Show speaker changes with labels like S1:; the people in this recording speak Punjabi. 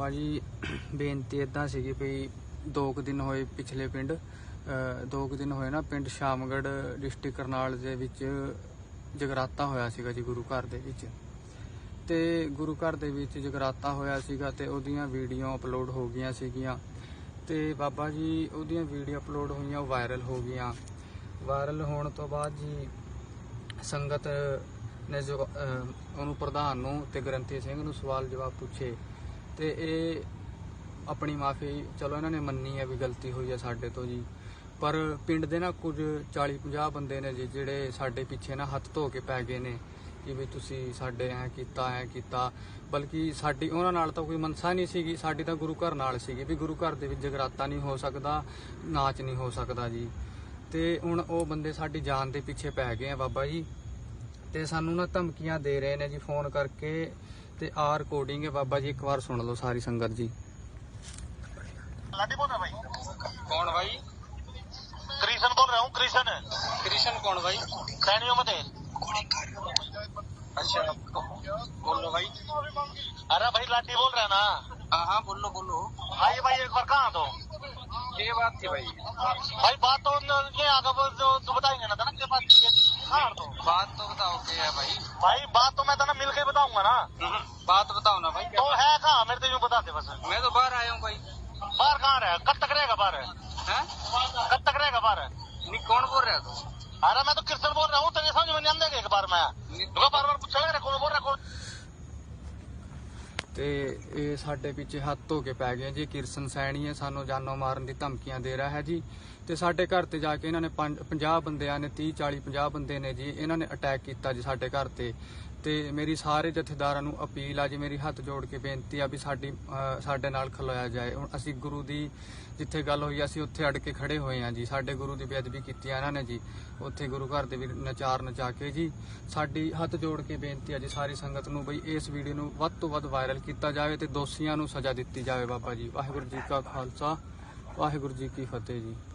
S1: ਬਾਬਾ ਜੀ ਬੇਨਤੀ ਇਦਾਂ ਸੀਗੀ ਵੀ 2 ਦਿਨ ਹੋਏ ਪਿਛਲੇ ਪਿੰਡ 2 ਦਿਨ ਹੋਏ ਨਾ ਪਿੰਡ ਸ਼ਾਮਗੜ੍ਹ ਡਿਸਟ੍ਰਿਕਟ ਕਰਨਾਲ ਦੇ ਵਿੱਚ ਜਗਰਾਤਾ ਹੋਇਆ ਸੀਗਾ ਜੀ ਗੁਰੂ ਘਰ ਦੇ ਵਿੱਚ। ਤੇ ਗੁਰੂ ਘਰ ਦੇ ਵਿੱਚ ਜਗਰਾਤਾ ਹੋਇਆ ਸੀਗਾ ਤੇ ਉਹਦੀਆਂ ਵੀਡੀਓ ਅਪਲੋਡ ਹੋ ਗਈਆਂ ਸੀਗੀਆਂ ਤੇ ਬਾਬਾ ਜੀ ਉਹਦੀਆਂ ਵੀਡੀਓ ਅਪਲੋਡ ਹੋਈਆਂ, ਉਹ ਵਾਇਰਲ ਹੋ ਗਈਆਂ। ਵਾਇਰਲ ਹੋਣ ਤੋਂ ਬਾਅਦ ਜੀ ਸੰਗਤ ਨੇ ਜੋ ਉਹਨੂੰ ਪ੍ਰਧਾਨ ਨੂੰ ਤੇ ਗ੍ਰੰਥੀ ਸਿੰਘ ਨੂੰ ਸਵਾਲ ਜਵਾਬ ਪੁੱਛੇ ਤੇ ਇਹ ਆਪਣੀ ਮਾਫੀ ਚਲੋ ਇਹਨਾਂ ਨੇ ਮੰਨੀ ਹੈ ਵੀ ਗਲਤੀ ਹੋਈ ਹੈ ਸਾਡੇ ਤੋਂ ਜੀ। ਪਰ ਪਿੰਡ ਦੇ ਨਾ ਕੁਝ 40-50 ਬੰਦੇ ਨੇ ਜੀ ਜਿਹੜੇ ਸਾਡੇ ਪਿੱਛੇ ਨਾ ਹੱਥ ਧੋ ਕੇ ਪੈ ਗਏ ਨੇ ਕਿ ਵੀ ਤੁਸੀਂ ਸਾਡੇ ਐਂ ਕੀਤਾ, ਬਲਕਿ ਸਾਡੀ ਉਹਨਾਂ ਨਾਲ ਤਾਂ ਕੋਈ ਮਨਸਾ ਨਹੀਂ ਸੀਗੀ, ਸਾਡੀ ਤਾਂ ਗੁਰੂ ਘਰ ਨਾਲ ਸੀਗੀ ਵੀ ਗੁਰੂ ਘਰ ਦੇ ਵਿੱਚ ਜਗਰਾਤਾ ਨਹੀਂ ਹੋ ਸਕਦਾ, ਨਾਚ ਨਹੀਂ ਹੋ ਸਕਦਾ ਜੀ। ਤੇ ਹੁਣ ਉਹ ਬੰਦੇ ਸਾਡੀ ਜਾਨ ਦੇ ਪਿੱਛੇ ਪੈ ਗਏ ਆ ਬਾਬਾ ਜੀ, ਤੇ ਸਾਨੂੰ ਨਾ ਧਮਕੀਆਂ ਦੇ ਰਹੇ ਨੇ ਜੀ ਫੋਨ ਕਰਕੇ। ਤੇ ਆ ਰਿਕਾਰਡਿੰਗ ਹੈ ਬਾਬਾ ਜੀ, ਇੱਕ ਵਾਰ ਸੁਣ ਲਓ ਸਾਰੀ ਸੰਗਤ ਜੀ।
S2: लाडी बोल रहा भाई?
S1: कौन भाई?
S2: कृष्ण बोल रहा हूँ। कृष्ण
S1: कृष्ण कौन भाई?
S2: सैनियों में थे।
S1: अच्छा बोलो भाई।
S2: अरे भाई लाडी बोल रहा है ना?
S1: हाँ बोलो।
S2: भाई एक बार कहाँ तो
S1: ये बात थी भाई।
S2: भाई बात तो ये आगे तो बताएंगे ना था ना, बात तो
S1: बताओ क्या है भाई?
S2: भाई बात तो मैं तो ना मिल के बताऊंगा ना।
S1: बात बताओ ना भाई।
S2: तो है कहाँ मेरे तो यूँ बताते बस।
S1: मैं तो बाहर आया हूँ भाई।
S2: बाहर कहाँ रहे? कब तक रहेगा बाहर? कब तक रहेगा बाहर?
S1: नहीं कौन बोल रहा है तू?
S2: अरे मैं तो कृष्ण बोल रहा हूँ, तेरे समझ में नहीं आंदेगा एक बार मैं बार पूछा कौन बोल रहा कौन।
S1: ਤੇ ਇਹ ਸਾਡੇ ਪਿੱਛੇ ਹੱਥ ਧੋ ਕੇ ਪੈ ਗਏ ਜੀ। ਕਿਰਸਨ ਸੈਣੀ ਹੈ, ਸਾਨੂੰ ਜਾਨੋਂ ਮਾਰਨ ਦੀ ਧਮਕੀਆਂ ਦੇ ਰਿਹਾ ਹੈ ਜੀ। ਤੇ ਸਾਡੇ ਘਰ ਤੇ ਜਾ ਕੇ ਇਹਨਾਂ ਨੇ 50 ਬੰਦਿਆਂ ਨੇ 30-40-50 ਬੰਦੇ ਨੇ ਜੀ, ਇਹਨਾਂ ਨੇ ਅਟੈਕ ਕੀਤਾ ਜੀ ਸਾਡੇ ਘਰ ਤੇ। ਤੇ ਮੇਰੀ ਸਾਰੇ ਜਥੇਦਾਰਾਂ ਨੂੰ ਅਪੀਲ ਆ ਜੀ, ਮੇਰੀ ਹੱਥ ਜੋੜ ਕੇ ਬੇਨਤੀ ਆ ਵੀ ਸਾਡੇ ਨਾਲ ਖਲੋਇਆ ਜਾਏ। ਹੁਣ ਅਸੀਂ ਗੁਰੂ ਦੀ ਜਿੱਥੇ ਗੱਲ ਹੋਈ ਅਸੀਂ ਉੱਥੇ ਅੜ ਕੇ ਖੜੇ ਹੋਏ ਆ ਜੀ। ਸਾਡੇ ਗੁਰੂ ਦੀ ਬੇਅਦਬੀ ਕੀਤੀ ਆ ਇਹਨਾਂ ਨੇ ਜੀ, ਉੱਥੇ ਗੁਰੂ ਘਰ ਦੇ ਵੀ ਨਚਾ ਕੇ ਜੀ। ਸਾਡੀ ਹੱਥ ਜੋੜ ਕੇ ਬੇਨਤੀ ਆ ਜੀ ਸਾਰੀ ਸੰਗਤ ਨੂੰ ਬਈ ਇਸ ਵੀਡੀਓ ਨੂੰ ਵੱਧ ਤੋਂ ਵੱਧ ਵਾਇਰਲ ਕੀਤਾ ਜਾਵੇ ਤੇ ਦੋਸ਼ੀਆਂ ਨੂੰ ਸਜ਼ਾ ਦਿੱਤੀ ਜਾਵੇ ਬਾਬਾ ਜੀ। ਵਾਹਿਗੁਰੂ ਜੀ ਕਾ ਖਾਲਸਾ, ਵਾਹਿਗੁਰੂ ਜੀ ਕੀ ਫਤਿਹ ਜੀ।